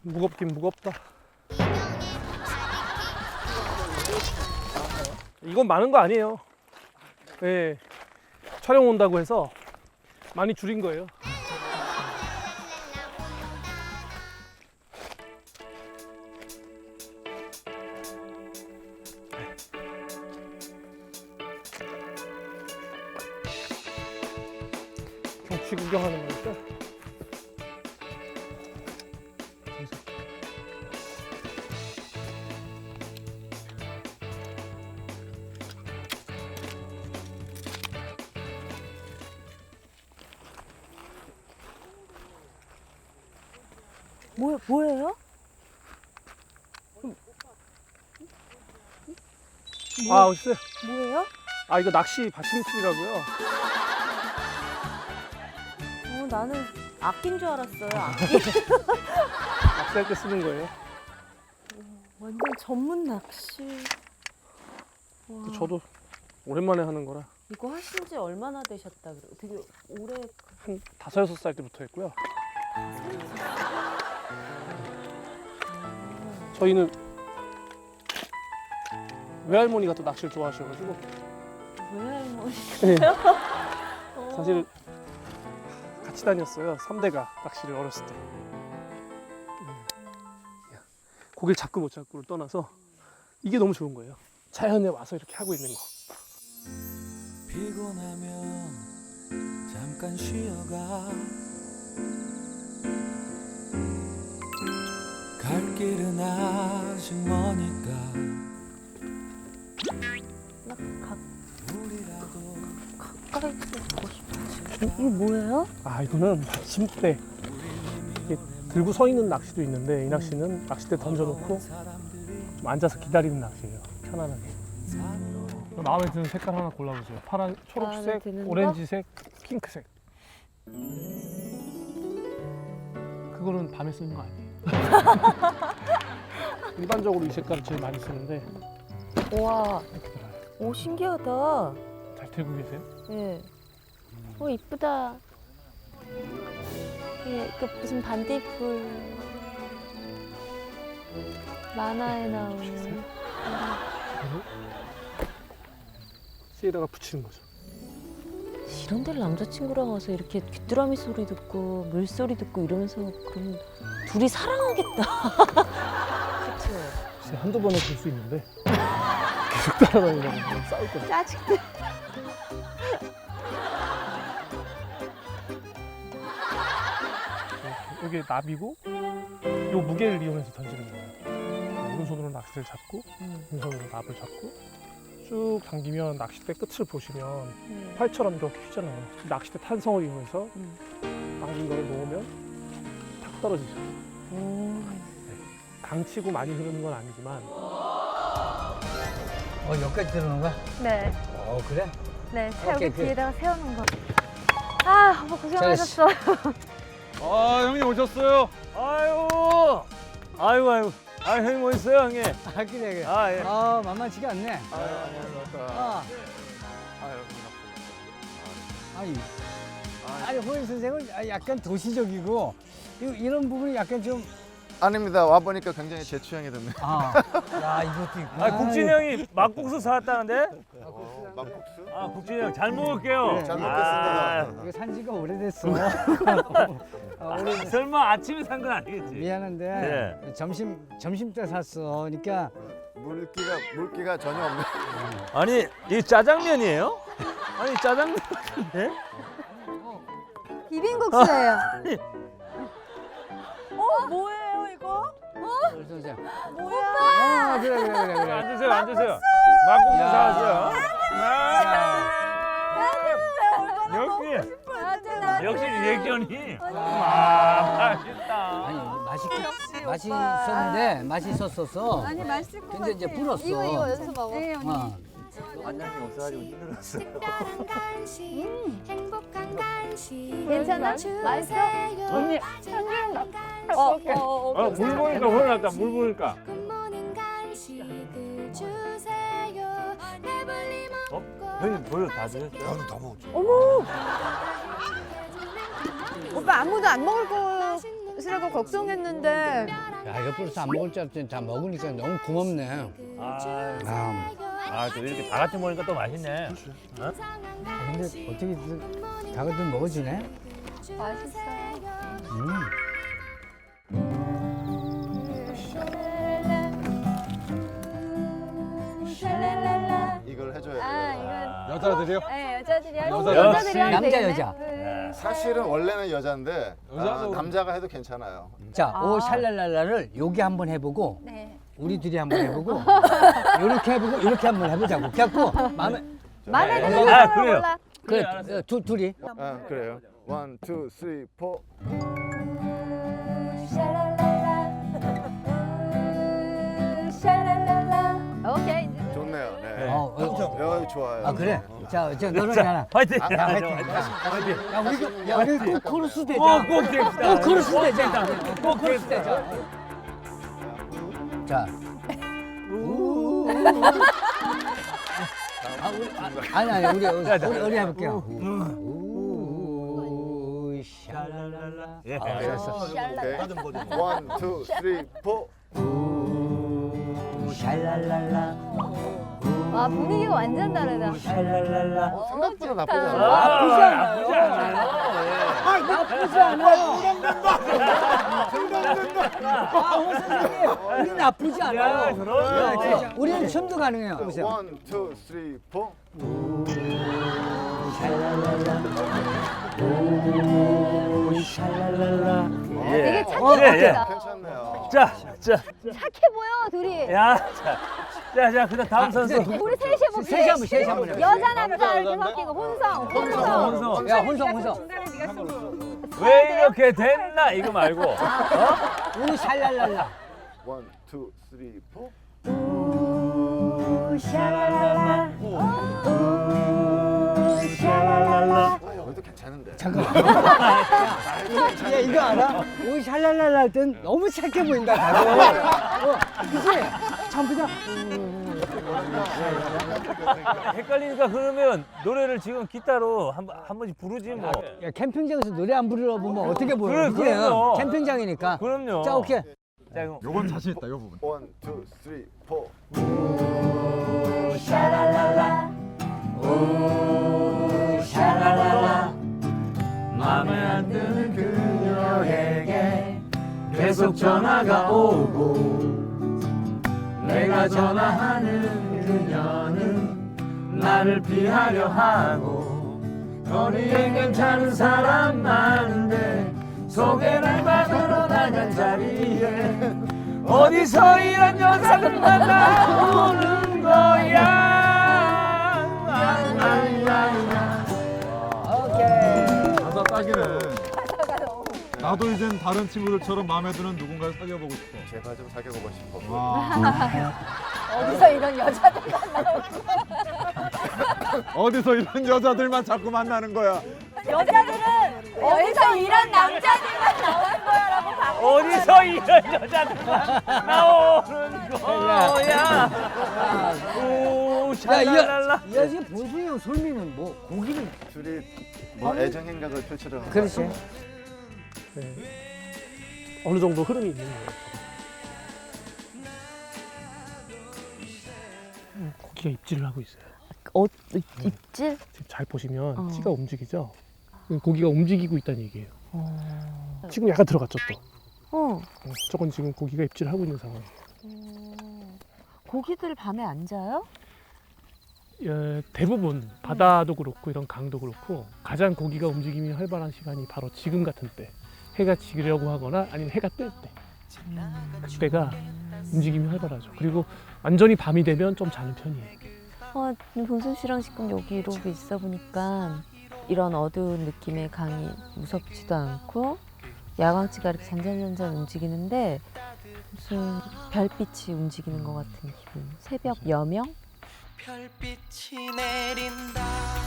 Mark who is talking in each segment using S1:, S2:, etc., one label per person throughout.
S1: 무겁긴 무겁다. 이건 많은 거 아니에요. 네, 촬영 온다고 해서 많이 줄인 거예요. 경치 구경하는 거니까.
S2: 뭐예요?
S1: 아, 글쎄.
S2: 뭐예요?
S1: 아, 이거 낚시 받침틀이라고요.
S2: 나는 악기인 줄 알았어요. 악기.
S1: 낚시할 때 쓰는 거예요.
S2: 완전 전문 낚시. 와,
S1: 저도 오랜만에 하는 거라
S2: 이거 하신 지 얼마나 되셨다 그래요? 되게 오래.
S1: 한 5, 6살 때부터 했고요. 저희는 외할머니가 또 낚시를 좋아하셔가지고
S2: 외할머니.
S1: 사실 같이 다녔어요. 3대가 낚시를 어렸을 때. 고기를 잡고 못 잡고를 떠나서 이게 너무 좋은 거예요. 자연에 와서 이렇게 하고 있는 거.
S3: 피곤하면 잠깐 쉬어가 갈 길은 아직 머니까
S2: 나
S3: 우리라도
S2: 가까이 보고 싶어. 이게 뭐예요?
S1: 아, 이거는 받침대. 이게 들고 서 있는 낚시도 있는데 이 낚시는 낚싯대 던져놓고 좀 앉아서 기다리는 낚시예요. 편안하게. 마음에 드는 색깔 하나 골라보세요. 파란,
S2: 마음에
S1: 초록색,
S2: 드는
S1: 오렌지색, 핑크색. 그거는 밤에 쓰는 거 아니에요. 일반적으로 이 색깔을 제일 많이 쓰는데
S2: 와,
S1: 이렇게 들어요.
S2: 오 신기하다.
S1: 잘 들고 계세요?
S2: 예. 오 이쁘다. 예, 그 무슨 반딧불 만화에 나오는.
S1: 그리고 씨에다가 붙이는 거죠.
S2: 이런 데를 남자친구랑 와서 이렇게 귀뚜라미 소리 듣고 물소리 듣고 이러면서 그러면 둘이 사랑하겠다. 그쵸?
S1: 진짜 한두 번에 볼 수 있는데 계속 따라다니면 싸울 거예요.
S2: 짜증나.
S1: 여기 나비고 요 무게를 이용해서 던지는 거예요. 오른손으로 낚싯대를 잡고 왼손으로 납을 잡고 쭉 당기면 낚싯대 끝을 보시면 활처럼 이렇게 휘잖아요. 낚싯대 탄성을 이용해서 당긴 거를 놓으면 탁 떨어지죠. 강치고 많이 흐르는 건 아니지만
S4: 여기까지 들어오는 거야?
S5: 네,
S4: 그래?
S5: 네.
S4: 오케이,
S5: 여기 뒤에다가 세우는 거. 아, 오빠 고생하셨어.
S6: 아 형님 오셨어요? 아유 아유 형님 오셨어요 형님?
S4: 그래.
S6: 아 예.
S4: 만만치가 않네.
S6: 아유 안녕하세요.
S4: 아,
S6: 아유
S4: 아니, 호인 선생은 약간 도시적이고, 이런 부분이 약간 좀,
S7: 아닙니다. 와보니까 굉장히 제 취향이 됐네요.
S4: 야, 이것도 있고.
S6: 아 국진이 형이 막국수 사왔다는데?
S7: 막국수?
S6: 아 국진이 형 잘 먹을게요.
S7: 잘
S6: 아,
S7: 먹겠습니다.
S4: 이거 산 지가 오래됐어.
S6: 설마 아침에 산 건 아니겠지?
S4: 미안한데,
S6: 네.
S4: 점심 때 샀어. 그러니까,
S7: 물기가 전혀 없네.
S6: 아니 이게 짜장면이에요? 아니 짜장면 같은데?
S5: 비빔국수예요.
S2: 뭐예요 이거?
S4: 선생.
S5: 뭐야?
S4: 그래.
S6: 앉으세요 앉으세요. 막국수
S4: 야.
S6: 사왔어요.
S4: 야,
S6: 역시 리액션이 맛있다.
S4: 아니, 맛이 있었는데, 맛이 있었어서.
S5: 아니 맛있을 것
S4: 근데 이제
S5: 같아.
S4: 불었어.
S5: 이거 연습하고. 네, 언니.
S7: 안녕히 없어가지고 힘들었어요.
S8: 특별한 간식, 행복한 간식.
S5: 괜찮아? 맛있어?
S6: 언니. 물 보니까 혼났다 물 보니까.
S8: 굿모닝 간식을 주세요. 배불리 먹고.
S6: 형님 벌써 다 드셨어요?
S7: 저는 다 먹었죠.
S5: 오빠 아무도 안 먹을 거 가시라고 걱정했는데.
S4: 야, 옆으로서 안 먹을 줄 알았더니 다 먹으니까 너무 고맙네.
S6: 또 이렇게 다 같이 먹으니까 또 맛있네.
S4: 근데 어떻게 다 같이 먹어지네?
S5: 맛있어요.
S7: 이걸 해줘야
S5: 아,
S7: 돼요.
S5: 이건.
S9: 여자들이요?
S5: 네, 여자들이 할
S9: 여자,
S5: 여자들이 할
S4: 남자,
S5: 때겠네.
S4: 여자.
S7: 사실은 원래는 여자인데
S9: 여자도
S7: 남자가 해도 괜찮아요.
S4: 자,
S5: 아.
S4: 오 샬랄랄라를 여기 한번 해보고
S5: 네.
S4: 우리 둘이 한번 해보고 이렇게 해보고 이렇게 한번 해보자고. 그래갖고 마음에
S5: 마음에
S7: 네.
S5: 드는
S6: 아,
S5: 사람
S6: 그래요.
S5: 골라.
S4: 그래 둘이
S7: 그래요. 1, 2, 3, 4.
S5: 오케이. 이제.
S7: 좋네요. 네.
S4: 어,
S7: 좋아요.
S4: 아 그래? 자, 너는 하나.
S6: 화이팅!
S4: 야, 화이팅. 야, 우리 코러스 되자.
S6: 꼭 됩시다.
S4: 코러스 되자. 코러스 되자. 자. 아니 우리 해볼게요. 우 샬랄랄라.
S6: 예.
S4: 됐어.
S7: 오케이. 1, 2, 3, 4.
S4: 우 샬랄랄라.
S5: 와, 분위기가 완전 다르다.
S4: 샬랄랄라.
S7: 생각보다
S5: 좋다.
S7: 나쁘지 않아요.
S4: 나쁘지 않아요. 나쁘지 않아요. 호 선생님, 우리 나쁘지 않아요.
S6: 그럼요.
S4: 우리는 춤도 가능해요. 보세요.
S7: 1, 2, 3, 4.
S5: 되게 착해 보인다.
S7: 괜찮네요.
S6: 자,
S5: 착해 보여, 둘이.
S6: 야, 자, 그다음 다음 선수.
S5: 우리 셋이 해볼게.
S4: 셋이 한번 해볼게요.
S5: 여자, 남자 이렇게 섞이고 혼성.
S6: 혼성.
S4: 혼성.
S6: 왜 이렇게 됐나 이거 말고.
S4: 우 샬랄랄라.
S7: 1, 2, 3, 4. 여기도 괜찮은데.
S4: 잠깐만. 야, 이거 알아? 우 샬랄랄라 할 땐 너무 착해 보인다, 다들. 그치? 전부 다.
S6: 헷갈리니까 그러면 노래를 지금 기타로 한 번씩 부르지 뭐.
S4: 야, 캠핑장에서 노래 안 부르러 보면 어떻게 보여?
S6: 그래,
S4: 그치?
S6: 그럼요.
S4: 캠핑장이니까.
S6: 그럼요.
S4: 자, 오케이.
S6: 자, 이거.
S9: 요건 자신 있다, 요 부분.
S7: 1, 2, 3, 4.
S3: 맘에 안 드는 그녀에게 계속 전화가 오고 내가 전화하는 그녀는 나를 피하려 하고 거리엔 괜찮은 사람 많은데 소개를 받으러 나간 자리에 어디서 이런 여자를 만나오는 거야.
S9: 가사 딱이네. 나도 이젠 다른 친구들처럼 마음에 드는 누군가를 사귀어보고 싶어.
S7: 제발 좀 사귀어보고 싶어.
S9: 와.
S5: 어디서 이런 여자들.
S9: 어디서 이런 여자들만 자꾸 만나는 거야.
S5: 여자들은 어디서 이런 남자들만 나오는 거야라고 봐.
S6: 어디서 이런 여자들만 나오는 거야. 오, 샬랄랄라.
S4: 야, 이제 보세요. 솔미는 뭐, 고기는.
S7: 둘이 뭐 애정 행각을 펼치려는 거
S4: 그렇지.
S7: 같아요.
S1: 네. 어느 정도 흐름이 있는 거예요. 고기가 입질을 하고 있어요.
S2: 입질?
S1: 지금 잘 보시면
S2: 어.
S1: 찌가 움직이죠? 고기가 움직이고 있다는 얘기예요. 지금 약간 들어갔죠 또. 저건 지금 고기가 입질을 하고 있는 상황이에요.
S2: 고기들 밤에 안 자요?
S1: 대부분 바다도 그렇고 이런 강도 그렇고 가장 고기가 움직임이 활발한 시간이 바로 지금 같은 때. 해가 지려고 하거나 아니면 해가 뜰 때. 그때가 움직임이 활발하죠. 그리고 완전히 밤이 되면 좀 자는 편이에요.
S2: 봉순 씨랑 지금 여기 이러고 있어 보니까 이런 어두운 느낌의 강이 무섭지도 않고 야광치가 이렇게 잔잔잔잔 움직이는데 무슨 별빛이 움직이는 것 같은 기분. 새벽 여명?
S3: 별빛이 내린다.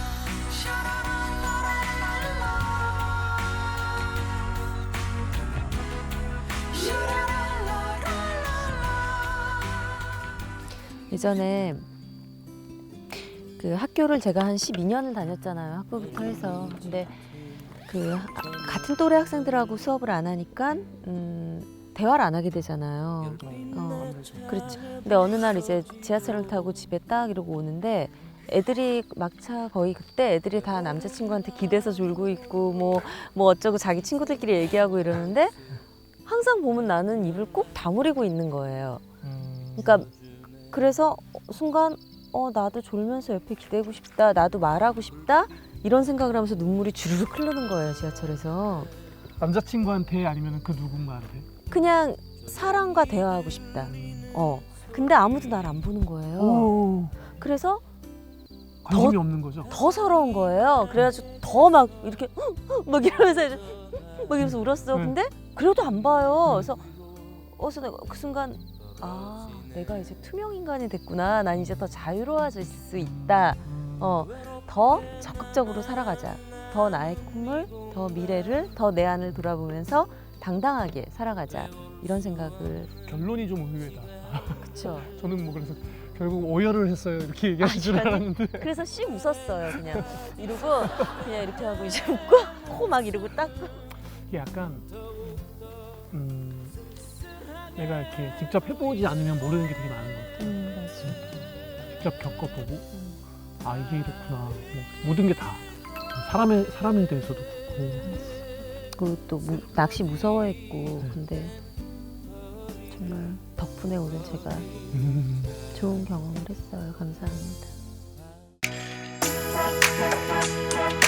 S2: 예전에 그 학교를 제가 한 12년을 다녔잖아요. 학부부터 해서. 근데 같은 또래 학생들하고 수업을 안 하니까 대화를 안 하게 되잖아요. 그렇죠. 근데 어느 날 이제 지하철을 타고 집에 딱 이러고 오는데 애들이 막차 거의 그때 애들이 다 남자친구한테 기대서 졸고 있고 뭐 어쩌고 자기 친구들끼리 얘기하고 이러는데 항상 보면 나는 입을 꼭 다물이고 있는 거예요. 그러니까 그래서 순간 나도 졸면서 옆에 기대고 싶다, 나도 말하고 싶다 이런 생각을 하면서 눈물이 주르륵 흐르는 거예요, 지하철에서.
S1: 남자친구한테 아니면 그 누군가한테?
S2: 그냥 사람과 대화하고 싶다. 근데 아무도 날 안 보는 거예요.
S1: 오,
S2: 그래서
S1: 관심이 없는 거죠?
S2: 더 서러운 거예요. 그래가지고 더 막 이렇게 막 이러면서 이제 막 이러면서 울었어. 근데 그래도 안 봐요. 그래서 내가 그 순간 내가 이제 투명 인간이 됐구나. 난 이제 더 자유로워질 수 있다. 더 적극적으로 살아가자. 더 나의 꿈을, 더 미래를, 더 내 안을 돌아보면서 당당하게 살아가자. 이런 생각을.
S1: 결론이 좀 의외다.
S2: 그쵸.
S1: 저는 뭐 그래서 결국 오열을 했어요. 이렇게 얘기하실 줄 알았는데.
S2: 그래서 씩 웃었어요. 그냥 이러고 그냥 이렇게 하고 이제 웃고 코 막 이러고 닦고.
S1: 이게 약간 내가 이렇게 직접 해보지 않으면 모르는 게 되게 많은 것 같아요.
S2: 맞아.
S1: 직접 겪어보고 이게 이렇구나. 뭐 모든 게 다 사람에 대해서도 그렇고.
S2: 그리고 또 낚시 무서워했고 근데 정말 덕분에 오늘 제가 좋은 경험을 했어요. 감사합니다.